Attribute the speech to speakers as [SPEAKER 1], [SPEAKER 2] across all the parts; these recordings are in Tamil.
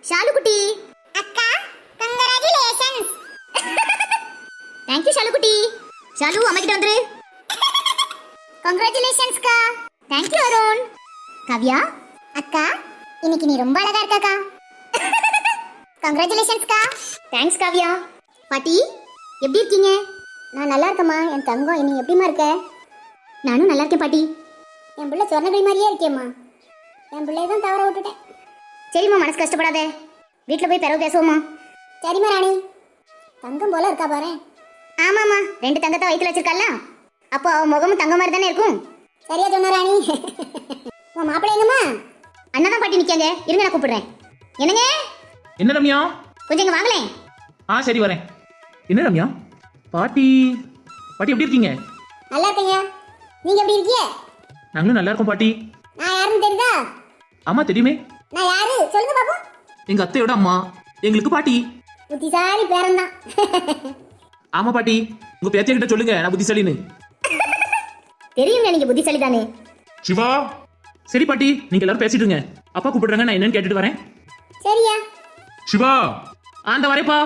[SPEAKER 1] ஷாலு குட்டி. அக்கா கங்க்ராச்சுலேஷன்ஸ். தேங்க் யூ ஷாலு குட்டி. ஷாலு அம்மா கிட்ட வந்துரு. கங்க்ராச்சுலேஷன்ஸ் கா. Thank you Arun. காவ்யா அக்கா இன்னைக்கு நீ ரொம்ப அழகா இருக்கக்கா. கங்க்ராச்சுலேஷன்ஸ் கா. தேங்க்ஸ் காவ்யா. பாட்டி எப்படி இருக்கீங்க? நான் நல்லா இருக்கேம்மா. என் தங்கம் நீ எப்படிமா இருக்க? நானும் நல்லா இருக்கேன் பாட்டி. என் பிள்ளை சொர்ணகிரி மாதிரியே இருக்கேம்மா. என் பிள்ளைய தான் தவற விட்டுட்டேன். சரிம்மா மனசு கஷ்டப்படாத. வீட்டில் போய் பிறகு பேசுவோம்மா. சரிம்மா ராணி. தங்கம் போல இருக்கா பாரு. ஆமாம்மா 2 தங்கத்தை வயிற்றுல வச்சிருக்கால. அப்போ அவன் முகமும் தங்க மாதிரி தானே இருக்கும். சரியா சொன்ன ராணி. உன் மாப்பிள்ளை எங்கம்மா? அண்ணா தான் பாட்டி நிற்காங்க. இருங்க நான் கூப்பிடுறேன். என்னங்க?
[SPEAKER 2] என்ன ரம்யா?
[SPEAKER 1] கொஞ்சம் இங்கே வாங்களேன்.
[SPEAKER 2] சரி வரேன். என்ன ரம்யா? பாட்டி எப்படி இருக்கீங்க?
[SPEAKER 1] நல்லா இருக்கீங்க. நீங்க எப்படி இருக்கீங்க?
[SPEAKER 2] நாங்களும் நல்லா இருக்கோம் பாட்டி.
[SPEAKER 1] நான் யாருன்னு தெரியுதா?
[SPEAKER 2] ஆமா தெரியுமே.
[SPEAKER 1] நான் யாரு சொல்லுங்க பாப்போம்.
[SPEAKER 2] எங்க அத்தையோட அம்மா, எங்களுக்கு பாட்டி.
[SPEAKER 1] புத்திசாலி பேரன் தான்.
[SPEAKER 2] ஆமா பாட்டி, உங்க பேத்திய கிட்ட சொல்லுங்க நான் புத்திசாலின்னு.
[SPEAKER 1] தெரியுங்க நீங்க புத்திசாலி தானே.
[SPEAKER 3] சிவா.
[SPEAKER 2] சரி பாட்டி, நீங்க எல்லாரும் பேசிட்டு இருங்க. அப்பா கூப்பிடுறாங்க, நான் என்னன்னு கேட்டுட்டு வரேன்.
[SPEAKER 1] சரியா?
[SPEAKER 3] சிவா.
[SPEAKER 2] அந்த வரேப்பா.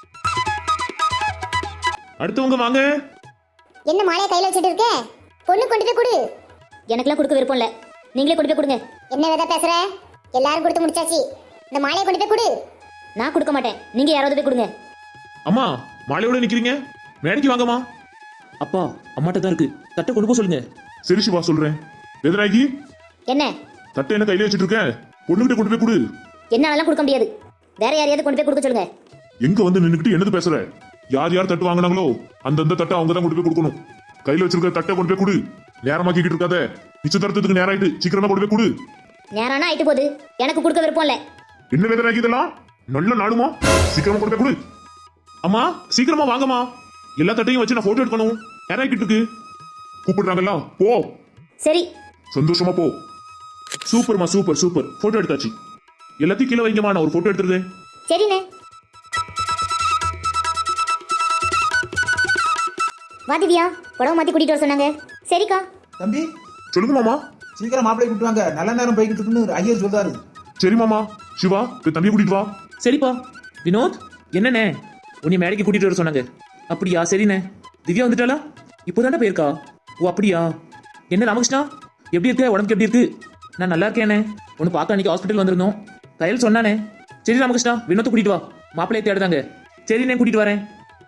[SPEAKER 3] அடுத்தவங்க வாங்க.
[SPEAKER 1] என்ன மாலையை கையில வச்சிட்டு இருக்க? பொண்ணு கொண்டு போய் கொடு. எனக்குலாம் கொடுக்க விருப்பம் இல்ல. நீங்களே கொண்டு போய் கொடுங்க. என்ன வேதா பேசுற? எல்லாரும் கொடுத்து முடிச்சாச்சு. இந்த மாலையை கொண்டு போய் கொடு. நான் கொடுக்க மாட்டேன். நீங்க யாராவது போய் கொடுங்க.
[SPEAKER 3] அம்மா மாலையோட நிக்கிறீங்க, மேடைக்கு வாங்கம்மா.
[SPEAKER 2] அப்பா அம்மாட்ட தான் இருக்கு, தட்டை கொண்டு போக சொல்லுங்க.
[SPEAKER 3] சரி சிவா சொல்றேன். வேதநாயகி
[SPEAKER 1] என்ன?
[SPEAKER 3] தட்டை என்ன கையில வச்சிட்டு இருக்க? பொண்ணுகிட்ட கொண்டு போய் கொடு.
[SPEAKER 1] என்னாலலாம் கொடுக்க முடியாது. வேற யாரையாவது கொண்டு போய் கொடுக்க சொல்லுங்க.
[SPEAKER 3] எங்க வந்து நின்னுக்கிட்டு என்னது பேசுற? யார் தட்டு வாங்கினாங்களோ அந்தந்த தட்டை அவங்க தான் கொண்டு போய் கொடுக்கணும். கையில வச்சிருக்க தட்டை கொண்டு போய் கொடு. நேரமாக்கிட்டு இருக்காத. நிச்சயதார்த்தத்துக்கு நேரம் ஆயிட்டு, சீக்கிரமா கொண்டு போய் கொடு.
[SPEAKER 1] நேரானா ஆயிட்டு போகுது. எனக்கு கொடுக்க விருப்பம் இல்ல.
[SPEAKER 3] என்ன வேதநாயகி இதெல்லாம்? நல்ல நாடுமா, சீக்கிரமா கொண்டு போய் கொடு. அம்மா சீக்கிரமா வாங்கம்மா. எல்லா தட்டையும் வச்சு நான் போட்டோ எடுக்கணும். நேரம் ஆகிட்டு இருக்கு. கூப்பிடுறாங்கல்ல, போ.
[SPEAKER 1] சரி
[SPEAKER 3] சந்தோஷமா போ. சூப்பர்மா, சூப்பர் சூப்பர். போட்டோ எடுத்தாச்சு. எல்லாத்தையும் கீழே வைங்கம்மா, நான் ஒரு போட்டோ எடுத்துருக்கேன்.
[SPEAKER 1] சரிண்ணே. வா திவ்யா, புடவை மாத்தி கூட்டிட்டு வர சொன்னாங்க. சரிக்கா.
[SPEAKER 4] தம்பி
[SPEAKER 3] சொல்லுங்க மாமா.
[SPEAKER 4] சீக்கிரம் மாப்பிள்ளை கூட்டு வாங்க, நல்ல நேரம் போய்கிட்டு இருக்குன்னு ஐயர் சொல்றாரு.
[SPEAKER 3] சரி மாமா. சிவா போய் தம்பியை கூட்டிட்டு வா.
[SPEAKER 2] சரிப்பா. வினோத் என்னண்ணே, உன்னை மேடைக்கு கூட்டிட்டு வர சொன்னாங்க. அப்படியா? சரிண்ணே. திவ்யா வந்துட்டாளா? இப்போதாண்டா போயிருக்கா? ஓ அப்படியா? என்ன ராமகிருஷ்ணா எப்படி இருக்க? உடம்புக்கு எப்படி இருக்கு? நான் நல்லா இருக்கேண்ணே. ஒன்று பார்க்க அன்னைக்கு ஹாஸ்பிட்டல் வந்திருந்தோம். கையில் சொன்னானே. சரி ராமகிருஷ்ணா, வினோத்தை கூட்டிட்டு வா. மாப்பிள்ளையை தேடுதாங்க. சரிண்ணே, கூட்டிட்டு வரேன்.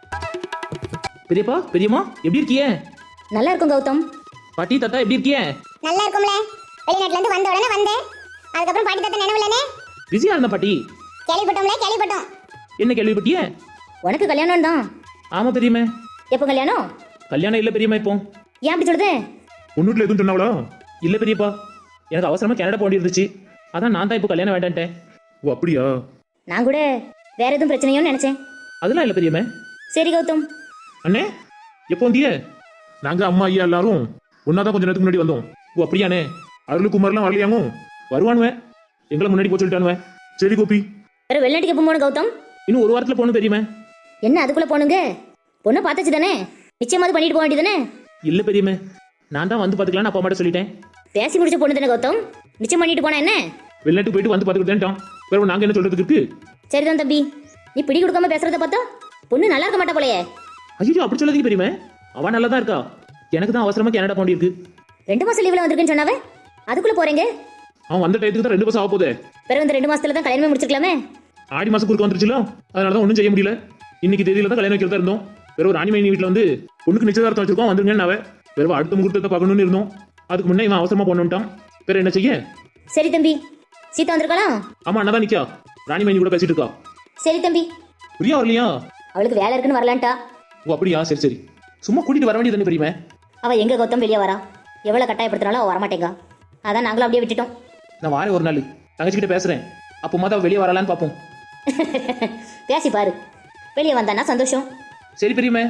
[SPEAKER 2] பெரியப்பா பெரியம்மா எப்படி இருக்கிய?
[SPEAKER 1] நல்லா இருக்கும் கௌதம்.
[SPEAKER 2] பாட்டி தாத்தா எப்படி இருக்கிய?
[SPEAKER 1] நல்லா இருக்கும்ல. வெளிநாட்டுல இருந்து வந்த உடனே வந்தேன். அதுக்கப்புறம் பாட்டி தாத்தா நினைவில்லனே.
[SPEAKER 2] பிஸியா இருந்த பாட்டி.
[SPEAKER 1] கேள்விப்பட்டோம்.
[SPEAKER 2] என்ன கேள்விப்பட்டிய?
[SPEAKER 1] உனக்கு கல்யாணம் தான்.
[SPEAKER 2] ஆமா பெரியம்மா.
[SPEAKER 1] எப்போ கல்யாணம்?
[SPEAKER 2] கல்யாணம் இல்ல பெரியம்மா. இப்போ
[SPEAKER 1] ஏன் அப்படி சொல்லுது?
[SPEAKER 3] ஒன்னுட்ல எதுவும் சொன்னாவளா?
[SPEAKER 2] இல்ல பெரியப்பா, எனக்கு அவசரமா கனடா போக இருந்துச்சு. அதான் நான் தான் இப்போ கல்யாணம் வேண்டான்ட்டேன்.
[SPEAKER 3] ஓ அப்படியா?
[SPEAKER 1] நான் கூட வேற எதுவும் பிரச்சனையோன்னு நினைச்சேன்.
[SPEAKER 2] அதெல்லாம் இல்ல பெரியம்மா.
[SPEAKER 1] சரி கௌதம்.
[SPEAKER 3] அண்ணே எப்போ வந்திய? நாங்க அம்மா ஐயா எல்லாரும் ஒன்னாதான் கொஞ்ச நேரத்துக்கு முன்னாடி வந்தோம்.
[SPEAKER 2] ஓ அப்படியானே.
[SPEAKER 3] அருள் குமார்லாம் வரலையாங்க?
[SPEAKER 2] வருவானுவேன். எங்களை முன்னாடி போய் சொல்லிட்டானுவேன்.
[SPEAKER 3] சரி கோபி.
[SPEAKER 1] வேற வெளிநாட்டுக்கு எப்போ போகணும் கௌதம்?
[SPEAKER 2] இன்னும் 1 வாரத்துல போகணும் பெரியம்மா.
[SPEAKER 1] என்ன அதுக்குள்ள போனுங்க? பொண்ணை பார்த்தாச்சு தானே, நிச்சயமாவது பண்ணிட்டு போக வேண்டியதானே?
[SPEAKER 2] இல்ல பெரியம்மா, நான் தான் வந்து பாத்துக்கலாம்னு அப்பா அம்மாட்ட சொல்லிட்டேன்.
[SPEAKER 1] பேசி முடிச்ச பொண்ணு தானே கௌதம், நிச்சயம் பண்ணிட்டு போனா என்ன?
[SPEAKER 2] வெளிநாட்டுக்கு போயிட்டு வந்து பாத்துக்கிட்டேன்ட்டான். வேற நாங்க என்ன சொல்றதுக்கு இருக்கு?
[SPEAKER 1] சரிதான் தம்பி, நீ பிடி கொடுக்காம பேசுறத பார்த்தா பொண்ணு நல்லா இருக்க மாட்டா போலயே.
[SPEAKER 2] ஐயோ அப்படி சொல்லாதீங்க பெரியம்மா, அவன் நல்லா தான் இருக்கா. எனக்கு தான் அவசரமா கனடா போண்டி இருக்கு.
[SPEAKER 1] 2 மாசம் லீவ்ல வந்திருக்குன்னு சொன்னாவே, அதுக்குள்ள போறீங்க?
[SPEAKER 3] அவன் வந்த டயத்துக்கு தான் 2 மாசம் ஆக போதே.
[SPEAKER 1] பிறகு இந்த 2 மாசத்துல தான் கல்யாணமே முடிச்சிருக்கலாமே.
[SPEAKER 3] ஆடி மாசம் குறுக்க வந்துருச்சுல, அதனாலதான் ஒன்றும் செய்ய முடியல. இன்னைக்கு தேதியில தான் கல்யாணம் வைக்கிறதா இருந்தோம். வேற ஒரு ராணிமணி வீட்டுல வந்து பொண்ணுக்கு நிச்சயதார்த்தம் வச்சிருக்கோம், வந்துருங்கன்னு அவ. வேற அடுத்த முகூர்த்தத்தை பார்க்கணும்னு இருந்தோம். அதுக்கு முன்னே இவன் அவசரமா போனோம்ட்டான். வேற என்ன செய்ய?
[SPEAKER 1] சரி தம்பி. சீதா வந்திருக்காளா?
[SPEAKER 3] ஆமா அண்ணா தான் நிக்கா. ராணிமணி கூட பேசிட்டு இருக்கா.
[SPEAKER 1] சரி தம்பி.
[SPEAKER 3] பிரியா வரலையா?
[SPEAKER 1] அவளுக்கு வேலை இருக்குன்னு வரலான்ட்டா.
[SPEAKER 3] ஓ அப்படியா? சரி சரி. சும்மா கூட்டிட்டு வர வேண்டியது தானே பெரியம்மா.
[SPEAKER 1] அவ எங்க கௌதம் வெளியே வரா? எவ்வளவு கட்டாயப்படுத்தினாலும் அவ வரமாட்டேங்க. அதான் நாங்களும் அப்படியே விட்டுட்டோம்.
[SPEAKER 2] நான் வாரேன் ஒரு நாள், தங்கச்சிக்கிட்ட பேசுறேன். அப்போ மாதா வெளியே வரலான்னு பார்ப்போம்.
[SPEAKER 1] பேசி பாரு, வெளியே வந்தானா சந்தோஷம்.
[SPEAKER 2] சரி பெரியம்மா.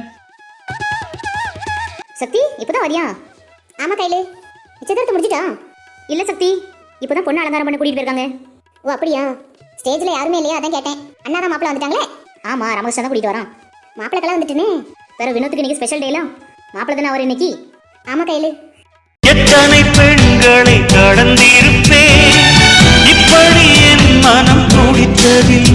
[SPEAKER 1] சக்தி இப்பதான் வரியா? ஆமா கையில நிச்சயதார்த்தம் முடிச்சிட்டா? இல்ல சக்தி, இப்பதான் பொண்ணு அலங்காரம் பண்ண கூட்டிட்டு போயிருக்காங்க. ஓ அப்படியா? ஸ்டேஜ்ல யாருமே இல்லையா, அதான் கேட்டேன். அண்ணா தான் மாப்பிள்ள வந்துட்டாங்களே. ஆமா, ராமகிருஷ்ணன் தான் கூட்டிட்டு வரான். மாப்பிள்ளக்கெல்லாம் வந்துட்டுனே. வேற வினோத்துக்கு இன்னைக்கு ஸ்பெஷல் டேலாம். மாப்பிள்ள தானே அவர் இன்னைக்கு. ஆமா கையில.
[SPEAKER 5] எத்தனை பெண்களை கடந்திருப்பேன், இப்படி என் மனம் துடித்ததில்லை.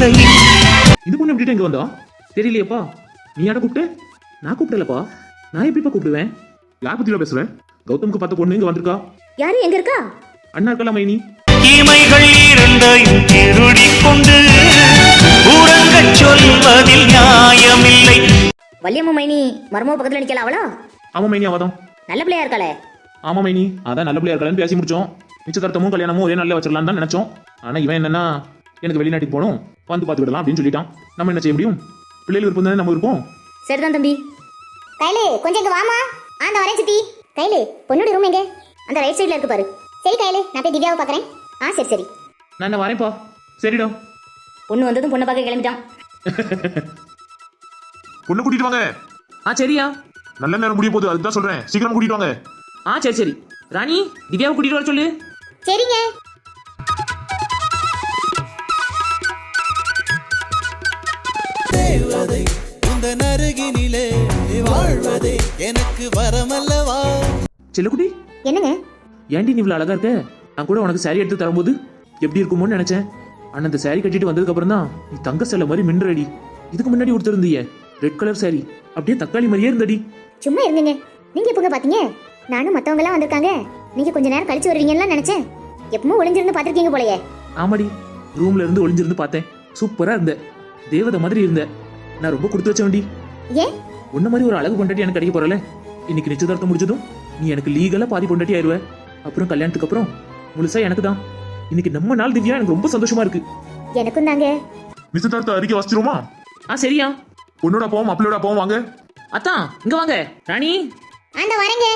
[SPEAKER 2] பொண்ணு எப்படிட்டு இங்க வந்தா தெரியலையேப்பா. நீ யாரை கூப்பிட்டு? நான் கூப்பிடலப்பா. நான் எப்படிப்பா கூப்பிடுவேன்?
[SPEAKER 3] யார் பத்தியில பேசுறேன்? கௌதமுக்கு பார்த்த பொண்ணு இங்க வந்திருக்கா.
[SPEAKER 1] யாரு எங்க இருக்கா?
[SPEAKER 2] அண்ணா இருக்கலாம் மைனி.
[SPEAKER 5] இமைகள் இரண்டையும் திருடிக் கொண்டு உறங்கச் சொல்வதில் நியாயமில்லை.
[SPEAKER 1] வள்ளியம்மா மைனி மருமக பக்கத்துல நிக்கலாம் அவளா?
[SPEAKER 2] ஆமா மைனி அவதான்.
[SPEAKER 1] நல்ல பிள்ளையா இருக்காளே.
[SPEAKER 2] ஆமா மைனி அதான் நல்ல பிள்ளையா இருக்கான்னு பேசி முடிச்சோம். நிச்சயதார்த்தமும் கல்யாணமும் ஒரே நாள்ல வச்சிடலாம் தான் நினைச்சோம். ஆனா இவன் என்னன்னா எனக்கு வெளிநாட்டுக்கு போகணும் வந்து பார்த்துக்கிடலாம் அப்படின்னு சொல்லிட்டான். நம்ம என்ன செய்ய முடியும்? பிள்ளைகள் விருப்பம் தானே நம்ம இருப்போம்.
[SPEAKER 1] சரிதான் தம்பி. கைலு கொஞ்சம் இங்க வாமா. அந்த வரேன் சித்தி. கைலு பொண்ணோட ரூம் எங்க? அந்த ரைட் சைடுல இருக்கு பாரு. சரி கைலு நான் போய் திவ்யாவை பார்க்கறேன். சரி சரி.
[SPEAKER 2] நான் என்ன வரேன்ப்பா. சரிடா.
[SPEAKER 1] பொண்ணு வந்ததும் பொண்ணை பார்க்க கிளம்பிட்டான்.
[SPEAKER 3] பொண்ணு கூட்டிட்டு வாங்க.
[SPEAKER 2] சரியா.
[SPEAKER 3] நல்ல நேரம் முடிய போகுது, அதுதான் சொல்றேன். சீக்கிரம் கூட்டிட்டு வாங்க.
[SPEAKER 2] சரி சரி. ராணி திவ்யாவை கூட்டிட்டு வர சொல்லு.
[SPEAKER 1] சரிங்க.
[SPEAKER 6] தேவதை இந்த நருகினிலே வாழ்வதே எனக்கு வரமல்லவா.
[SPEAKER 2] செல்லக்குட்டி
[SPEAKER 1] என்னங்க?
[SPEAKER 2] ஏன்டி நீ இவ்வளவு அழகா இருக்க? நான் கூட உனக்கு saree எடுத்து தரும்போது எப்படி இருக்குமோன்னு நினைச்சேன். ஆனா இந்த saree கட்டிட்டு வந்ததுக்கு அப்புறம் தான் நீ தங்க செல்ல மாதிரி மின்றடி. இதுக்கு முன்னாடி கொடுத்துருந்தீங்க ரெட் கலர் saree அப்படியே தக்காளி மாதிரியே இருந்தடி.
[SPEAKER 1] சும்மா இருந்துங்க. நீங்க எப்பங்க பாத்தீங்க? நானும் மத்தவங்க எல்லாம் வந்திருக்காங்க. நீங்க கொஞ்ச நேரம் கழிச்சு வருவீங்கன்னு நினைச்சேன். எப்பவும் ஒளிஞ்சிருந்து பாத்திருக்கீங்க போலயே.
[SPEAKER 2] ஆமாடி ரூம்ல இருந்து ஒளிஞ்சிருந்து பார்த்தேன். சூப்பரா இருந்த தேவதை மாதிரி இருந்த. நான் ரொம்ப கொடுத்து வச்சேன்டி.
[SPEAKER 1] ஏன்?
[SPEAKER 2] உன்ன மாதிரி ஒரு அழகு பொண்டாட்டி எனக்கு கிடைக்க போறல. இன்னைக்கு நிச்சயதார்த்தம் முடிச்சதும் நீ எனக்கு லீகலா பாதி பொண்டாட்டி ஆயிருவ. அப்புறம் கல்யாணத்துக்கு அப்புறம் முழுசா எனக்கு தான். இன்னைக்கு நம்ம நாள் திவ்யா எனக்கு ரொம்ப சந்தோஷமா இருக்கு.
[SPEAKER 1] எனக்கும் தாங்க.
[SPEAKER 3] நிச்சயதார்த்த அறிக்கை வாசிச்சிருமா?
[SPEAKER 2] சரியா.
[SPEAKER 3] பொண்ணோட அப்பாவும் மாப்பிள்ளையோட அப்பாவும் வாங்க.
[SPEAKER 2] அத்தான் இங்க வாங்க. ராணி
[SPEAKER 1] அந்த வரேங்க.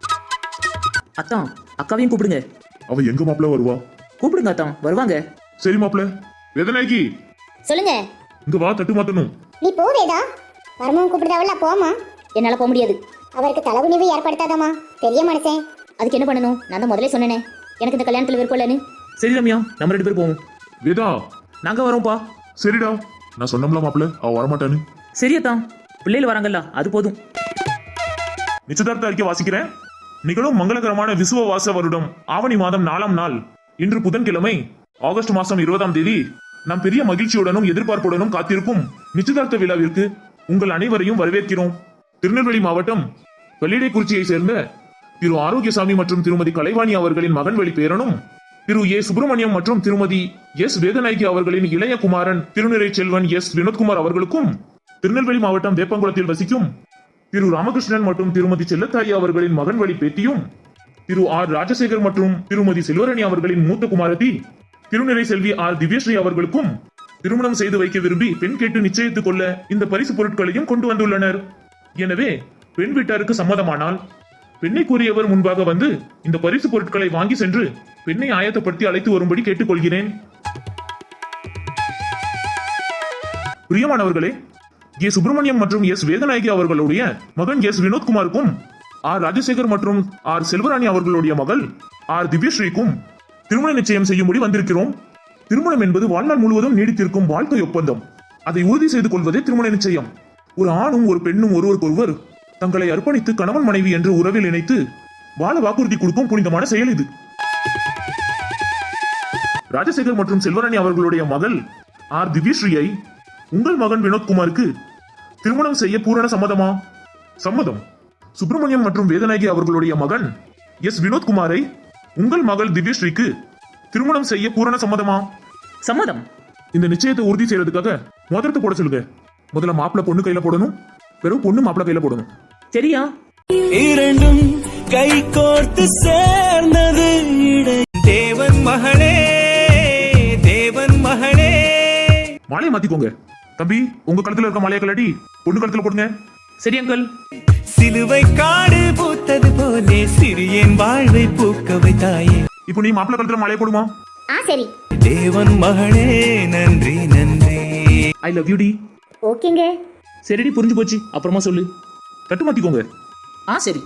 [SPEAKER 2] அத்தான் அக்காவையும் கூப்பிடுங்க.
[SPEAKER 3] அவ எங்க மாப்பிள்ள வருவா?
[SPEAKER 2] கூப்பிடுங்க அத்தான் வருவாங்க.
[SPEAKER 3] சரி மாப்பிள்ள. வேதனாக்கி
[SPEAKER 1] சொல்லுங்க.
[SPEAKER 3] இங்க வா, தட்டு மாத்தணும்.
[SPEAKER 1] நீ போவேதா? மருமகன் கூப்பிடுதாவல்ல போமா. என்னால போக முடியாது. அவருக்கு தலைகுனிவு ஏற்படுத்தாதம்மா. பெரிய மனுஷன். அதுக்கு என்ன பண்ணணும்? நான் தான் முதல்ல சொன்னேனே எனக்கு இந்த கல்யாணத்துல விருப்பம் இல்லைன்னு.
[SPEAKER 2] சரி ரம்யா நம்ம 2 பேரும் போவோம்.
[SPEAKER 3] வேதா
[SPEAKER 2] நாங்க வரோம்ப்பா.
[SPEAKER 3] சரிடா. நான் சொன்னோம்ல மாப்பிள்ள அவ வரமாட்டான்னு.
[SPEAKER 2] சரியத்தான் பிள்ளைகள் வராங்கல்ல அது போதும்.
[SPEAKER 3] நிச்சயதார்த்த அறிக்கை வாசிக்கிறேன். நிகழும் மங்களகரமான விசுவ வாச வருடம் ஆவணி மாதம் 4ஆம் நாள் இன்று புதன்கிழமை ஆகஸ்ட் மாசம் 20ஆம் தேதி நாம் பெரிய மகிழ்ச்சியுடனும் எதிர்பார்ப்புடனும் காத்திருக்கும் நிச்சயதார்த்த விழாவிற்கு உங்கள் அனைவரையும் வரவேற்கிறோம். திருநெல்வேலி மாவட்டம் வெள்ளிடைக்குறிச்சியை சேர்ந்த திரு ஆரோக்கியசாமி மற்றும் திருமதி கலைவாணி அவர்களின் மகன் வழி பேரனும் திரு ஏ சுப்பிரமணியம் மற்றும் திருமதி எஸ் வேதநாயகி அவர்களின் இளைய குமாரன் திருநிறை செல்வன் எஸ் வினோத்குமார் அவர்களுக்கும் திருநெல்வேலி மாவட்டம் வேப்பங்குளத்தில் வசிக்கும் திரு ராமகிருஷ்ணன் மற்றும் திருமதி செல்லத்தாயி அவர்களின் மகன் வழி பேத்தியும் திரு ஆர் ராஜசேகர் மற்றும் திருமதி செல்வரணி அவர்களின் மூத்த குமாரத்தி திருநிறை செல்வி ஆர் திவ்யஸ்ரீ அவர்களுக்கும் திருமணம் செய்து வைக்க விரும்பி பெண் கேட்டு நிச்சயித்துக் கொள்ள இந்த பரிசு பொருட்களையும் கொண்டு வந்துள்ளனர். எனவே பெண் வீட்டாருக்கு சம்மதமானால் பெண்ணை கூறியவர் முன்பாக வந்து இந்த பரிசு பொருட்களை வாங்கி சென்று பெண்ணை ஆயத்தப்படுத்தி அழைத்து வரும்படி கேட்டுக்கொள்கிறேன். பிரியமானவர்களே, ஏ சுப்பிரமணியம் மற்றும் எஸ் வேதநாயகி அவர்களுடைய மகன் எஸ் வினோத்குமாருக்கும் ஆர் ராஜசேகர் மற்றும் ஆர் செல்வராணி அவர்களுடைய மகள் ஆர் திவ்யஸ்ரீக்கும் திருமண நிச்சயம் செய்யும்படி வந்திருக்கிறோம். திருமணம் என்பது வாழ்நாள் முழுவதும் நீடித்திருக்கும் வாழ்க்கை ஒப்பந்தம். அதை உறுதி செய்து கொள்வதே திருமண நிச்சயம். ஒரு ஆணும் ஒரு பெண்ணும் ஒருவருக்கொருவர் தங்களை அர்ப்பணித்து கணவன் மனைவி என்று உறவில் இணைத்து வாழ வாக்குறுதி கொடுக்கும் புனிதமான செயல் இது. ராஜசேகர் மற்றும் செல்வராணி அவர்களுடைய மகள் ஆர் திவ்யஸ்ரீயை உங்கள் மகன் வினோத்குமாருக்கு திருமணம் செய்ய பூரண சம்மதமா? சம்மதம். சுப்பிரமணியம் மற்றும் வேதநாயகி அவர்களுடைய மகன் எஸ் வினோத்குமாரை உங்கள் மகள் திவ்யஸ்ரீக்கு திருமணம் செய்ய பூரண சம்மதமா?
[SPEAKER 2] சம்மதம்.
[SPEAKER 3] இந்த நிச்சயத்தை உறுதி செய்யறதுக்காக மோதிரத்தை போட சொல்லுங்க. முதல்ல மாப்பிள்ள பொண்ணு கையில போடணும், பிறகு பொண்ணு மாப்பிள்ள கையில போடணும்.
[SPEAKER 2] சரியா.
[SPEAKER 6] இரண்டும் கை கோர்த்து சேர்ந்தது தேவன் மகளே, தேவன் மகளே.
[SPEAKER 3] மாலையை மாத்திக்கோங்க. தம்பி உங்க கழுத்துல இருக்க மாலையை கலாட்டி பொண்ணு கழுத்துல போடுங்க.
[SPEAKER 2] சரி அங்கிள்.
[SPEAKER 6] சிலுவை காடு பூத்தது போலே சிறியன் வாழ்வை பூக்க வைத்தாயே.
[SPEAKER 3] இப்போ நீ மாப்பிள்ள கழுத்துல மாலையை போடுமா?
[SPEAKER 1] சரி.
[SPEAKER 6] தேவன் மகளே நன்றி நன்றி.
[SPEAKER 2] ஐ லவ் யூ டி.
[SPEAKER 1] ஓகேங்க.
[SPEAKER 2] சரிடி புரிஞ்சு போச்சு. அப்புறமா சொல்லு.
[SPEAKER 3] தட்டு மாத்திக்கோங்க.
[SPEAKER 2] சரி.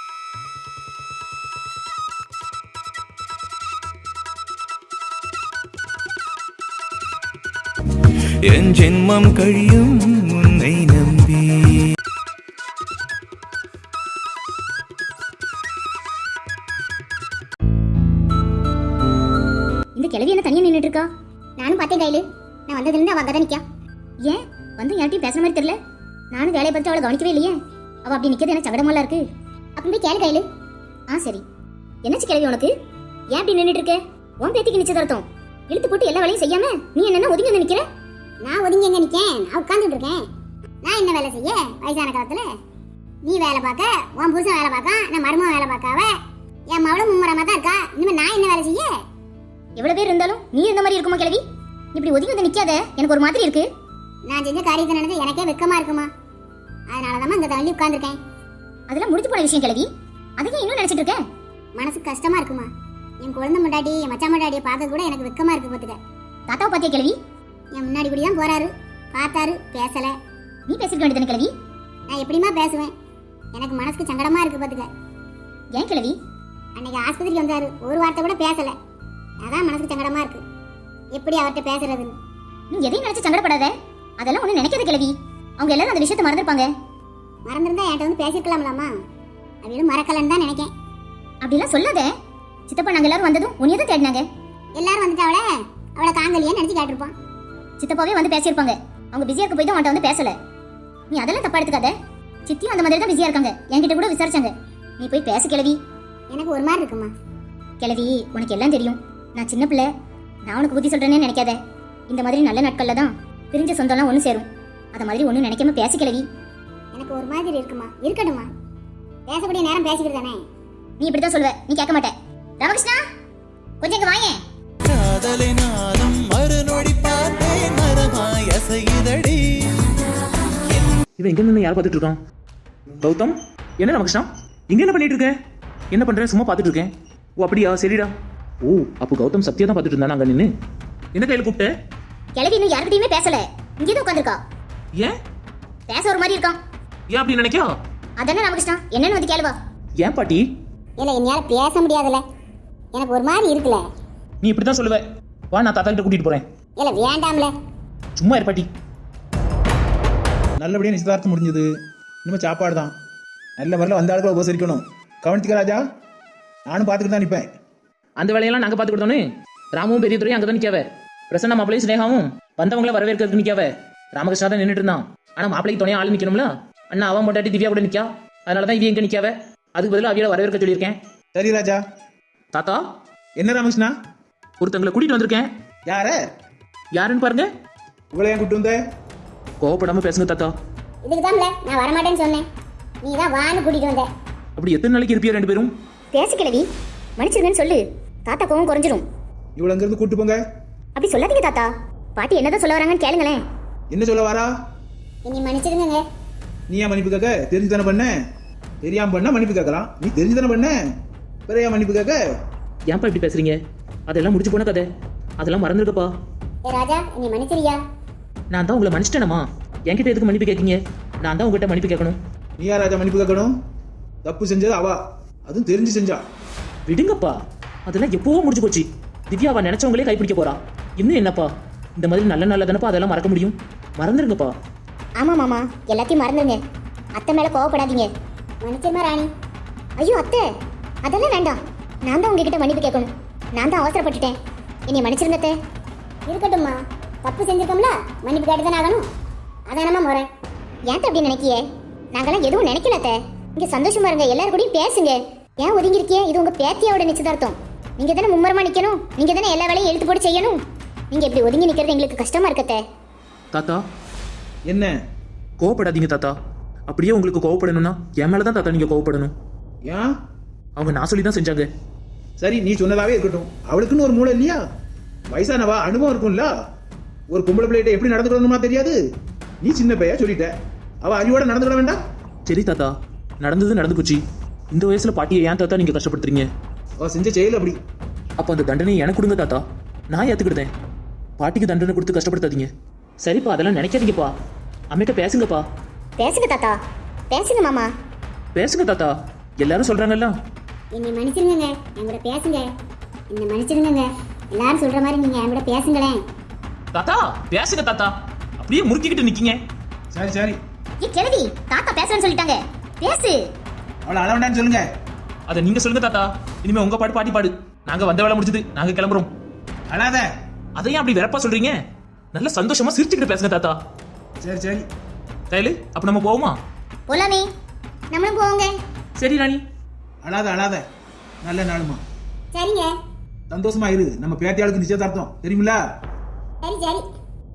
[SPEAKER 6] என் ஜென்மம் கழியும் உன்னை நம்பி.
[SPEAKER 1] இந்த கிழவி என்ன தனியா நின்னுட்டு இருக்கா? நானும் பார்த்தேன் கையில. நான் வந்ததுல இருந்து அவ அங்கதான் நிக்கா. ஏன் வந்து யார்ட்டையும் பேசுற மாதிரி தெரியல? நானும் வேலையை பார்த்து அவளை கவனிக்கவே இல்லையே. அவ அப்படி நிக்கிறது எனக்கு சங்கடமாலாம் இருக்கு. அப்படி போய் கேளு கையில. சரி. என்னாச்சு கிளவி உனக்கு? ஏன் அப்படி நின்னுட்டு இருக்க? உன் பேத்திக்கு நிச்சயதார்த்தம் இழுத்து போட்டு எல்லா வேலையும் செய்யாம நீ என்ன ஒதுங்கி வந்து நிக்கிற? நான் ஒதுங்கி எங்க நிக்கேன்? நான் உட்கார்ந்துட்டு இருக்கேன். நான் என்ன வேலை செய்ய வயசான காலத்துல? நீ வேலை பார்க்க, உன் புருஷன் வேலை பார்க்க, நான் மருமகன் வேலை பார்க்காவ, என் மவளும் மும்முரமா தான் இருக்கா. இனிமே நான் என்ன வேலை செய்ய? எவ்வளவு பேர் இருந்தாலும் நீ இந்த மாதிரி இருக்குமா கிழவி? இப்படி ஒதுங்கி வந்து நிக்காத, எனக்கு ஒரு மாதிரி இருக்கு. நான் செஞ்ச காரியத்தை நினைச்சு எனக்கே வெக்கமா இருக்குமா. அதனாலதான் இந்த தள்ளி உட்கார்ந்துருக்கேன். அதெல்லாம் முடிச்சு போன விஷயம் கிழவி. அதையும் இன்னும் நினைச்சிட்டு இருக்க? மனசு கஷ்டமா இருக்குமா. என் குழந்தை முண்டாட்டி, என் மச்சான் முண்டாட்டியை பார்க்க கூட எனக்கு வெக்கமா இருக்கு. பாத்துக்க. தாத்தாவை பாத்தியா கிழவி? என் முன்னாடி இப்படிதான் போறாரு, பார்த்தாரு, பேசல. நீ பேசிருக்க வேண்டியதானே கிழவி? நான் எப்படிமா பேசுவேன்? எனக்கு மனசுக்கு சங்கடமா இருக்கு. பாத்துக்க. ஏன் கிழவி? அன்னைக்கு ஆஸ்பத்திரிக்கு வந்தாரு, ஒரு வார்த்தை கூட பேசல. அதான் மனசுக்கு சங்கடமா இருக்கு. எப்படி அவர்கிட்ட பேசுறதுன்னு. நீ எதையும் நினைச்சு சங்கடப்படாத. அதெல்லாம் ஒண்ணு நினைக்காத கிழவி. அவங்க எல்லாரும் அந்த விஷயத்தை மறந்துருப்பாங்க. மறந்துருந்தா என்கிட்ட வந்து பேசிருக்கலாம்லாமா. அவளும் மறக்கலன்னு தான் நினைக்கேன். அப்படிலாம் சொல்லாத. சித்தப்பா நாங்க எல்லாரும் வந்ததும் உன்னைய தான் தேடினாங்க. எல்லாரும் வந்துட்டு அவளை காங்கலியே நினைச்சு கேட்டிருப்பான். சித்தப்பாவே வந்து பேசியிருப்பாங்க. அவங்க பிஸியா இருக்க போய் தான் உன்கிட்ட வந்து பேசல. நீ அதெல்லாம் தப்பா எடுத்துக்காத. சித்தியும் அந்த மாதிரி தான் பிஸியா இருக்காங்க. என்கிட்ட கூட விசாரிச்சாங்க. நீ போய் பேசு கிழவி. எனக்கு ஒரு மாதிரி இருக்குமா. கிழவி, உனக்கு எல்லாம் தெரியும். நான் சின்ன பிள்ளை. நான் உனக்கு புத்தி சொல்றேன்னு நினைக்காத. இந்த மாதிரி நல்ல நாட்கள்ல தான் பிரிஞ்ச சொந்தம்லாம் ஒன்று சேரும். அத மாதிரி ஒன்றும் நினைக்காம பேசி கிழவி. எனக்கு ஒரு மாதிரி இருக்குமா. இருக்கட்டுமா, பேசக்கூடிய நேரம் பேசிக்கிட்டு தானே. நீ இப்படிதான் சொல்லுவ, நீ கேட்க மாட்டே. ராமகிருஷ்ணா, கொஞ்சம் இங்க வாங்க.
[SPEAKER 6] காதலை நானும் மறுநொடி பார்த்தேன், மரமாய் அசையுதடி.
[SPEAKER 2] இவன் எங்க நின்று யார் பார்த்துட்டு இருக்கான்? கௌதம், என்ன ராமகிருஷ்ணா இங்க என்ன பண்ணிட்டு இருக்க? என்ன பண்ற? சும்மா பார்த்துட்டு இருக்கேன். ஓ அப்படியா, சரிடா. ஓ அப்போ கௌதம் சத்யா தான் பார்த்துட்டு இருந்தா அங்க நின்று. என்ன கையில கூப்பிட்ட?
[SPEAKER 1] கிழவி இன்னும் யார்கிட்டயுமே பேசல. இங்கேதான் உட்காந்துருக்கா.
[SPEAKER 2] ஏன்
[SPEAKER 1] பேச ஒரு மாதிரி இருக்கான்.
[SPEAKER 2] ஏன் அப்படி நினைக்கா?
[SPEAKER 1] அதானே ராமகிருஷ்ணா, என்னன்னு வந்து கேளுவா.
[SPEAKER 2] ஏன் பாட்டி?
[SPEAKER 1] இல்ல, என்னால பேச முடியாதுல. எனக்கு ஒரு மாதிரி இருக்குல்ல.
[SPEAKER 2] நீ இப்படி தான் சொல்லுவ. வா, நான் தாத்தா கிட்ட கூட்டிட்டு போறேன்.
[SPEAKER 1] இல்ல வேண்டாம்ல.
[SPEAKER 2] சும்மா இரு பாட்டி.
[SPEAKER 4] நல்லபடியாக நிச்சயதார்த்தம் முடிஞ்சது. இனிமேல் சாப்பாடு தான். நல்ல முறையில் வந்த ஆளுகளை உபசரிக்கணும். கவனிச்சுக்க ராஜா. நானும் பார்த்துக்கிட்டு தான் நிற்பேன்.
[SPEAKER 2] அந்த வேலையெல்லாம் நாங்க பார்த்து கொடுத்தோன்னு ராமும் பெரிய துறையும் அங்கதான் நிக்காவ. பிரசன்னா மாப்பிளையும் ஸ்னேகாவும் வந்தவங்கள வரவேற்கிறதுக்கு நிக்காவ. ராமகிருஷ்ணா தான் நின்றுட்டு இருந்தான். ஆனா மாப்பிளைக்கு துணையா ஆள் நிக்கணும்ல. அண்ணா அவன் பொண்டாட்டி திவ்யா கூட நிக்கா. அதனாலதான் இவ எங்க நிக்காவ. அதுக்கு பதிலாக அவியோட வரவேற்க சொல்லியிருக்கேன்.
[SPEAKER 4] சரி ராஜா.
[SPEAKER 2] தாத்தா,
[SPEAKER 4] என்ன ராமகிருஷ்ணா?
[SPEAKER 2] ஒருத்தங்களை கூட்டிட்டு வந்திருக்கேன்.
[SPEAKER 4] யார?
[SPEAKER 2] யாருன்னு பாருங்க.
[SPEAKER 4] இவ்வளோ ஏன் கூட்டு வந்த?
[SPEAKER 2] கோவப்படாம பேசுங்க தாத்தா.
[SPEAKER 1] இதுக்கு தான்ல நான் வரமாட்டேன்னு சொன்னேன். நீ தான் வான்னு கூட்டிட்டு வந்த.
[SPEAKER 2] அப்படி எத்தனை நாளைக்கு இருப்பியா ரெண்டு பேரும்?
[SPEAKER 1] பேசு கிழவி, மன்னிச்சிருங்கன்னு சொல்லு. தாத்தா கோவம் குறைஞ்சிரும்.
[SPEAKER 4] இவ்வளோ அங்கேருந்து கூட்டு போங்க.
[SPEAKER 1] அப்படி சொல்லாதீங்க தாத்தா. பாட்டி என்னதான் சொல்ல வராங்கன்னு கேளுங்களேன்.
[SPEAKER 4] என்ன சொல்ல வாரா?
[SPEAKER 1] நீ மன்னிச்சிருங்க.
[SPEAKER 4] நீ ஏன் மன்னிப்பு கேட்க? தெரிஞ்சு தானே பண்ண. தெரியாம பண்ணா மன்னிப்பு கேட்கலாம். நீ தெரிஞ்சு தானே பண்ண. பிற ஏன் மன்னிப்பு கேட்க?
[SPEAKER 2] ஏன்பா இப்படி பேசுறீங்க? அதெல்லாம் முடிச்சு போன கதை. அதெல்லாம் மறந்துருக்கப்பா.
[SPEAKER 1] ஏ ராஜா, நீ மன்னிச்சிரியா?
[SPEAKER 2] நான் தான் உங்களை மன்னிச்சிட்டேனமா. என்கிட்ட எதுக்கு மன்னிப்பு கேட்கீங்க? நான் தான் உங்ககிட்ட மன்னிப்பு கேட்கணும்.
[SPEAKER 4] நீ யார் ராஜா மன்னிப்பு கேட்கணும்? தப்பு செஞ்சது அவா, அதுவும் தெரிஞ்சு செஞ்சா.
[SPEAKER 2] விடுங்கப்பா, அதெல்லாம் எப்பவோ முடிச்சு போச்சு. திவ்யாவா நினைச்சவங்களே கைப்பிடிக்க போறா. இன்னும் என்னப்பா, இந்த மாதிரி நல்ல நல்ல தானப்பா அதெல்லாம் மறக்க முடியும். மறந்துருங்கப்பா.
[SPEAKER 1] ஆமா மாமா, எல்லாத்தையும் மறந்துருங்க. அத்தை மேல கோவப்படாதீங்க. மன்னிச்சிருமா ராணி. ஐயோ அத்தை, அதெல்லாம் வேண்டாம். நான் தான் உங்ககிட்ட மன்னிப்பு கேட்கணும். நான் தான் அவசரப்பட்டுட்டேன். என்னை மன்னிச்சிருங்க அத்தை. இருக்கட்டும்மா, தப்பு செஞ்சிருக்கோம்ல, மன்னிப்பு கேட்டு தானே ஆகணும். அதானம்மா முறை. ஏன் அப்படி நினைக்கியே? நாங்கெல்லாம் எதுவும் நினைக்கல அத்தை. இங்க சந்தோஷமா இருங்க, எல்லாரும் கூடயும் பேசுங்க. ஏன் ஒதுங்கிருக்கியே? இது உங்க பேத்தியோட நிச்சயதார்த்தம். நீங்க தானே மும்மரமா நிக்கணும். நீங்க தானே எல்லா வேலையும் எழுத்து போட்டு செய்யணும். நீங்க இப்படி ஒதுங்கி நிக்கிறது எங்களுக்கு கஷ்டமா இருக்கத்தே.
[SPEAKER 2] தாத்தா,
[SPEAKER 4] என்ன?
[SPEAKER 2] கோவப்படாதீங்க தாத்தா. அப்படியே உங்களுக்கு கோவப்படணும்னா என் மேலதான் தாத்தா நீங்க கோவப்படணும்.
[SPEAKER 4] ஏன்?
[SPEAKER 2] அவங்க நான் சொல்லி தான் செஞ்சாங்க.
[SPEAKER 4] சரி, நீ சொன்னதாவே இருக்கட்டும். அவளுக்குன்னு ஒரு மூளை இல்லையா? வயசானவா, அனுபவம் இருக்கும்ல. ஒரு பொம்பளை பிள்ளைகிட்ட எப்படி நடந்துக்கணுமா தெரியாது. நீ சின்ன பையா சொல்லிட்ட. அவ அறிவோட நடந்துக்கிட வேண்டாம்.
[SPEAKER 2] சரி தாத்தா, நடந்தது நடந்து போச்சு. இந்த வயசுல பாட்டியை ஏன் தாத்தா நீங்க கஷ்டப்படுத்துறீங்க?
[SPEAKER 4] அவ செஞ்ச செயல் அப்படி.
[SPEAKER 2] அப்போ அந்த தண்டனை எனக்கு கொடுங்க தாத்தா. நான் ஏத்துக்கிட்டேன். பாட்டிக்கு தண்டனை கொடுத்து கஷ்டப்படுத்தாதீங்க. சரிப்பா, அதெல்லாம் நினைக்காதீங்கப்பா. அம்மிட்ட பேசுங்கப்பா.
[SPEAKER 1] பேசுங்க தாத்தா, பேசுங்க மாமா.
[SPEAKER 2] பேசுங்க தாத்தா, எல்லாரும் சொல்றாங்கல்ல.
[SPEAKER 1] என்னை மன்னிச்சிருங்க, என் கூட பேசுங்க. என்னை மன்னிச்சிருங்க. எல்லாரும் சொல்ற மாதிரி நீங்க என் கூட பேசுங்களேன்.
[SPEAKER 2] தாத்தா பேசுங்க தாத்தா. அப்படியே முறுக்கிக்கிட்டு நிக்கீங்க.
[SPEAKER 4] சரி சரி,
[SPEAKER 1] ஏ கிழவி, தாத்தா பேசுறேன்னு சொல்லிட்டாங்க. பேசு.
[SPEAKER 4] அவளை அள வேண்டாம்னு சொல்லுங்க.
[SPEAKER 2] அதை நீங்க சொல்லுங்க தாத்தா. இனிமே உங்க பாட்டு பாட்டி பாடு. நாங்க வந்த வேலை முடிஞ்சது, நாங்க கிளம்புறோம்.
[SPEAKER 4] அழாத.
[SPEAKER 2] அதையும் அப்படி வெறப்பா சொல்றீங்க? நல்ல சந்தோஷமா சிரிச்சுக்கிட்டு பேசுங்க தாத்தா.
[SPEAKER 4] சரி சரி
[SPEAKER 2] கையில் அப்போ நம்ம போவோமா?
[SPEAKER 1] போலாமே, நம்மளும் போவோங்க.
[SPEAKER 2] சரி ராணி.
[SPEAKER 4] அழாத அழாத, நல்ல நாளுமா.
[SPEAKER 1] சரிங்க.
[SPEAKER 4] சந்தோஷமா இரு, நம்ம பேத்தியாளுக்கு நிச்சயதார்த்தம் தெரியுமில.
[SPEAKER 1] சரி சரி.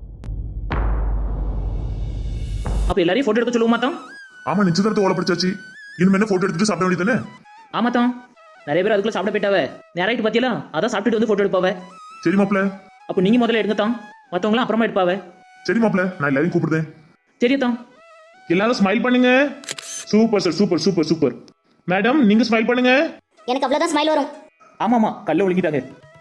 [SPEAKER 2] அப்போ எல்லாரையும் ஃபோட்டோ எடுக்க சொல்லுவோமா தான்?
[SPEAKER 7] ஆமா நிச்சயதார்த்தம் ஓலை படிச்சாச்சு. இனிமே என்ன போட்டோ எடுத்துட்டு சாப்பிட வேண்டியதானே?
[SPEAKER 2] ஆமா தான். நிறைய பேர் அதுக்குள்ள சாப்பிட போயிட்டாவ. நேராயிட்டு பார்த்தியா? அதான் சாப்பிட்டுட்டு வந்து ஃபோட்டோ எடுப்பாவ.
[SPEAKER 7] சரி மாப்ள.
[SPEAKER 2] அப்போ நீங்கள் முதல்ல எடுங்க தான், மற்றவங்களாம் அப்புறமா எடுப்பாவ.
[SPEAKER 7] சரி மாப்ள, நான் எல்லாரையும் கூப்பிடுறேன்.
[SPEAKER 2] சரி தான்.
[SPEAKER 3] எல்லாரும் ஸ்மைல் பண்ணுங்க. Super sir, super super super. Madam நீங்க ஸ்மைல் பண்ணுங்க.
[SPEAKER 1] எனக்கு அவ்வளவுதான் ஸ்மைல் வரும்.
[SPEAKER 2] ஆமாம்மா, கல்ல ஒழுங்கிட்டாங்க.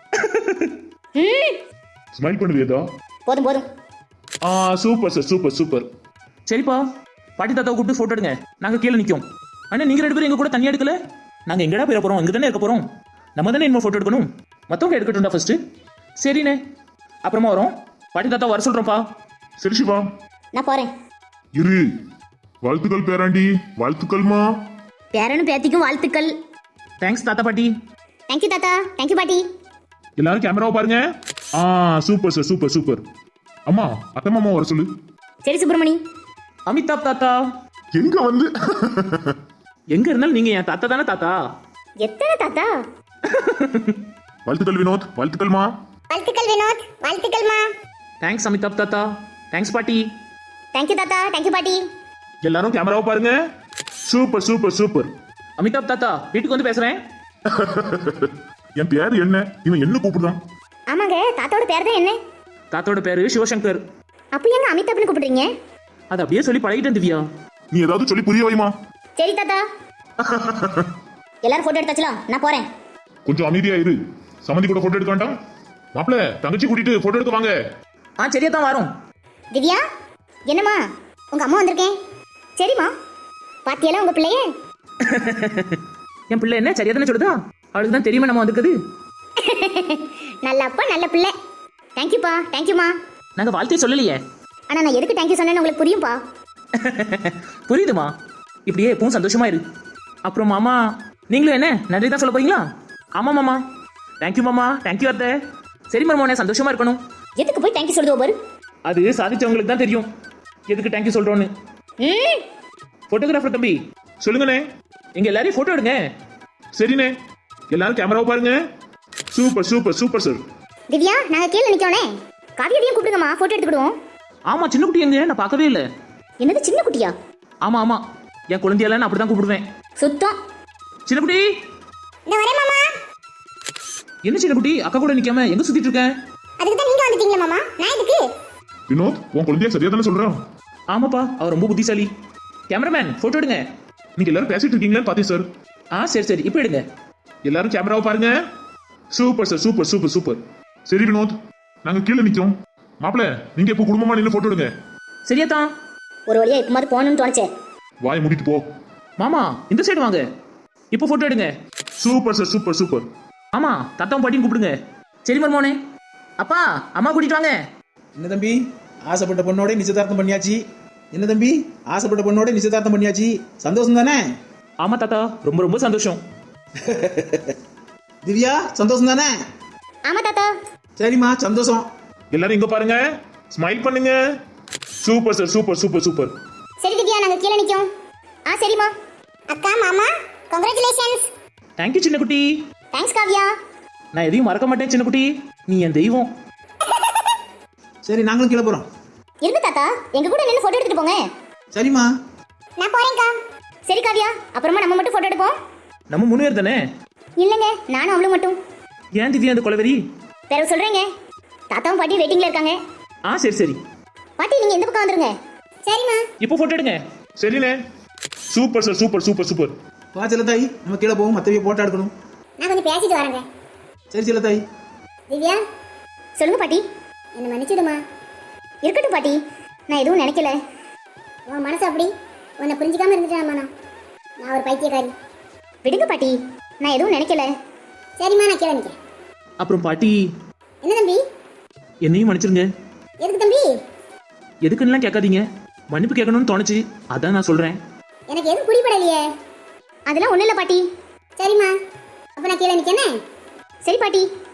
[SPEAKER 7] ஸ்மைல் பண்ணுவியதா?
[SPEAKER 1] போதும் போதும்.
[SPEAKER 3] Super sir, super super.
[SPEAKER 2] சரிப்பா, பாட்டி தாத்தாவை கூப்பிட்டு ஃபோட்டோ எடுங்க. நாங்கள் கீழே நிற்கும். ஆனால் நீங்கள் 2 பேரும் எங்கள் கூட தனியாக எடுக்கல. நாங்கள் எங்கடா போயிட போகிறோம்? இங்கே தானே இருக்க போகிறோம். நம்ம தானே இன்னும் ஃபோட்டோ எடுக்கணும். மற்றவங்க எடுக்கட்டும்டா ஃபர்ஸ்ட்டு. சரிண்ணே, அப்புறமா வரோம். பாட்டி தாத்தா வர சொல்கிறோம்ப்பா.
[SPEAKER 7] சரி சிவா.
[SPEAKER 1] நான் போறேன்.
[SPEAKER 7] இரு. வாழ்த்துக்கள் பேராண்டி, வாழ்த்துக்கள்மா.
[SPEAKER 1] பேரனும் பேத்திக்கும் வாழ்த்துக்கள்.
[SPEAKER 2] தேங்க்ஸ் தாத்தா பாட்டி.
[SPEAKER 1] தேங்க்யூ தாத்தா, தேங்க்யூ பாட்டி.
[SPEAKER 3] எல்லாரும் கேமராவை பாருங்க. Super sir, super super.
[SPEAKER 7] அம்மா அத்தை மாமா வர சொல்லு.
[SPEAKER 1] சரி சுப்பிரமணி.
[SPEAKER 2] அமிதாப் தாத்தா.
[SPEAKER 7] எங்க வந்து
[SPEAKER 2] எங்கே இருந்தாலும் நீங்கள் என் தாத்தா தானே தாத்தா.
[SPEAKER 1] எத்தனை தாத்தா?
[SPEAKER 7] வாழ்த்துக்கள் வினோத், வாழ்த்துக்கள்மா.
[SPEAKER 1] வாழ்த்துக்கள் வினோத், வாழ்த்துக்கள்மா.
[SPEAKER 2] தேங்க்ஸ் அமிதாப் தாத்தா. தேங்க்ஸ் பாட்டி.
[SPEAKER 1] தேங்க்யூ தாத்தா, தேங்க்யூ பாட்டி.
[SPEAKER 3] எல்லாரும் கேமராவை பாருங்க. Super super super.
[SPEAKER 2] அமிதாப் தாத்தா, வீட்டுக்கு வந்து பேசுகிறேன்.
[SPEAKER 7] என் பேர் என்ன? இவன் என்ன கூப்பிடுறான்?
[SPEAKER 1] ஆமாங்க, தாத்தாவோட பேர் தான் என்ன?
[SPEAKER 2] தாத்தாவோட பேரு சிவசங்கர்.
[SPEAKER 1] அப்போ ஏங்க அமிதாப்னு கூப்பிடுறீங்க?
[SPEAKER 2] அது அப்படியே சொல்லி பழகிட்டேன் திவ்யா.
[SPEAKER 7] நீ ஏதாவது சொல்லி புரிய வைமா.
[SPEAKER 1] சரி தாத்தா. எல்லாரும் போட்டோ எடுத்தாச்சுலாம், நான் போறேன்.
[SPEAKER 7] கொஞ்சம் அமைதியா இரு. சம்மந்தி கூட போட்டோ எடுக்க வேண்டாம்.
[SPEAKER 3] மாப்பிள்ள தங்கச்சி கூட்டிட்டு போட்டோ எடுக்க வாங்க.
[SPEAKER 2] சரியா தான் வரோம்.
[SPEAKER 1] திவ்யா, என்னம்மா உங்க அம்மா வந்திருக்கேன். சரிம்மா, பாத்தியெல்லாம் உங்க பிள்ளைய?
[SPEAKER 2] என் பிள்ளை என்ன சரியா தானே சொல்லுதா? அவளுக்கு தான் தெரியுமா நம்ம வந்துருக்குது.
[SPEAKER 1] நல்ல அப்பா, நல்ல பிள்ளை. தேங்க்யூப்பா, தேங்க்யூமா.
[SPEAKER 2] நாங்கள் வாழ்த்தையே சொல்லலையே.
[SPEAKER 1] ஆனா நான் எதுக்கு தேங்க்யூ சொன்னேன்னு உங்களுக்கு புரியும்பா.
[SPEAKER 2] புரியுதுமா. இப்படியே எப்பவும் சந்தோஷமா இரு. அப்புறம் மாமா, நீங்களும் என்ன நன்றி தான் சொல்ல போறீங்களா? ஆமா மாமா. தேங்க்யூ மாமா, தேங்க்யூ அத்தை. சரி மருமோனே, சந்தோஷமா இருக்கணும்.
[SPEAKER 1] எதுக்கு போய் தேங்க்யூ சொல்லுவோம் பாரு.
[SPEAKER 2] அது சாதிச்சவங்களுக்கு தான் தெரியும் எதுக்கு தேங்க்யூ சொல்றோன்னு. போட்டோகிராஃபர் தம்பி
[SPEAKER 3] சொல்லுங்கண்ணே.
[SPEAKER 2] எங்க எல்லாரையும் போட்டோ எடுங்க.
[SPEAKER 3] சரிண்ணே, எல்லாரும் கேமராவை பாருங்க. Super super super sir.
[SPEAKER 1] Divya, நாங்க கீழே நிக்கோனே. காவியடியும் கூப்பிடுங்கம்மா, போட்டோ எடுத்துக்கிடுவோம்.
[SPEAKER 2] ஆமா, சின்ன குட்டி எங்க? நான் பார்க்கவே இல்லை.
[SPEAKER 1] என்னது சின்ன குட்டியா?
[SPEAKER 2] ஆமா ஆமா, என் குழந்தையெல்லாம் நான் அப்படிதான் கூப்பிடுவேன்.
[SPEAKER 1] சுத்தம்.
[SPEAKER 2] சின்ன குட்டி.
[SPEAKER 1] இந்த வரேன் மாமா.
[SPEAKER 2] என்ன சின்ன குட்டி, அக்கா கூட நிக்காம எங்க சுத்திட்டு இருக்க?
[SPEAKER 1] அதுக்கு தான் நீங்க வந்துட்டீங்களா மாமா? நான் எதுக்கு?
[SPEAKER 7] வினோத், உன் குழந்தைய சரியா தானே சொல்றான்?
[SPEAKER 2] ஆமாப்பா, அவர் ரொம்ப புத்திசாலி. கேமராமேன் போட்டோ எடுங்க.
[SPEAKER 3] நீங்க எல்லாரும் பேசிட்டு இருக்கீங்களான்னு பார்த்தேன் சார்.
[SPEAKER 2] சரி சரி, இப்போ எடுங்க.
[SPEAKER 3] எல்லாரும் கேமராவை பாருங்க. Super sir, super super super.
[SPEAKER 7] சரி வினோத், நாங்க கீழே நிக்கோம். மாப்பிள, நீங்க இப்போ குடும்பமா நின்று போட்டோ எடுங்க.
[SPEAKER 2] சரியா தான்.
[SPEAKER 1] ஒரு வழியா இப்ப மாதிரி போகணும்னு தோணுச்சே.
[SPEAKER 7] வாயை மூடிட்டு போ.
[SPEAKER 2] மாமா, இந்த சைடு வாங்க. இப்போ போட்டோ எடுங்க.
[SPEAKER 7] Super sir, super super.
[SPEAKER 2] ஆமா, தாத்தாவும் பாட்டியும் கூப்பிடுங்க. சரி மருமோனே. அப்பா, அம்மா கூட்டிட்டு வாங்க.
[SPEAKER 4] என்ன தம்பி, ஆசைப்பட்ட பொண்ணோட நிச்சயதார்த்தம் பண்ணியாச்சு. என்ன தம்பி, ஆசைப்பட்ட பொண்ணோட நிச்சயதார்த்தம் பண்ணியாச்சு. சந்தோஷம் தானே?
[SPEAKER 2] ஆமா தாத்தா, ரொம்ப ரொம்ப சந்தோஷம்.
[SPEAKER 4] திவ்யா, சந்தோஷம் தானே?
[SPEAKER 1] ஆமா தாத்தா.
[SPEAKER 4] சரிம்மா, சந்தோஷம்.
[SPEAKER 3] எல்லாரும் இங்க பாருங்க. ஸ்மைல் பண்ணுங்க. Super sir, super super super.
[SPEAKER 1] சரி திவ்யா, நாங்க கீழே நிக்கோம். சரிம்மா. அக்கா, மாமா, கங்க்ராச்சுலேஷன்ஸ்.
[SPEAKER 2] தேங்க்யூ சின்ன குட்டி.
[SPEAKER 1] தேங்க்ஸ் காவ்யா.
[SPEAKER 2] நான் எதையும் மறக்க மாட்டேன் சின்ன குட்டி. நீ என் தெய்வம்.
[SPEAKER 4] சரி, நாங்களும் கீழே போறோம்.
[SPEAKER 1] இருந்து தாத்தா, எங்க கூட நின்று போட்டோ எடுத்துட்டு போங்க.
[SPEAKER 4] சரிம்மா.
[SPEAKER 1] நான் போறேன்க்கா. சரி காவ்யா, அப்புறமா நம்ம மட்டும் போட்டோ எடுப்போம்.
[SPEAKER 2] நம்ம 3 பேர் தானே?
[SPEAKER 1] இல்லங்க, நானும் அவளும் மட்டும்.
[SPEAKER 2] ஏன் திவ்யா அந்த கொலவெறி?
[SPEAKER 1] வேற சொல்றேங்க. தாத்தாவும் பாட்டி வெயிட்டிங்ல இருக்காங்க.
[SPEAKER 2] சரி சரி.
[SPEAKER 1] பாட்டி நீங்க இந்த பக்கம் வந்துருங்க. சரிம்மா.
[SPEAKER 2] இப்போ போட்டோ எடுங்க.
[SPEAKER 3] சரிண்ணே. Super sir, super super super.
[SPEAKER 4] வா செல்லத்தாய், நம்ம கீழே போவோம். மற்றவைய போட்டோ எடுக்கணும்.
[SPEAKER 1] நான் கொஞ்சம் பேசிட்டு வரேங்க.
[SPEAKER 4] சரி செல்லத்தாய்.
[SPEAKER 1] திவ்யா, சொல்லுங்க பாட்டி. என்ன மன்னிச்சிடுமா. இருக்கட்டும் பாட்டி, நான் எதுவும் நினைக்கல. உன் மனசு அப்படி, உன்னை புரிஞ்சுக்காம இருந்துட்டேன். நான் ஒரு பைத்தியக்காரி. விடுங்க பாட்டி, நான் எதுவும் நினைக்கல. சரிம்மா, நான் கீழே நிற்கிறேன்.
[SPEAKER 2] அப்புறம் பாட்டி,
[SPEAKER 1] என்ன தம்பி?
[SPEAKER 2] என்னையும் மன்னிச்சிருங்க.
[SPEAKER 1] எதுக்கு தம்பி?
[SPEAKER 2] எதுக்குன்னுலாம் கேட்காதீங்க. மன்னிப்பு கேட்கணும்னு தோணுச்சு, அதான் நான் சொல்றேன்.
[SPEAKER 1] எனக்கு எதுவும் புரியப்படலையே. அதெல்லாம் ஒன்றும் இல்லை பாட்டி. சரிம்மா, அப்போ நான் கீழே நிற்கனே. சரி பாட்டி.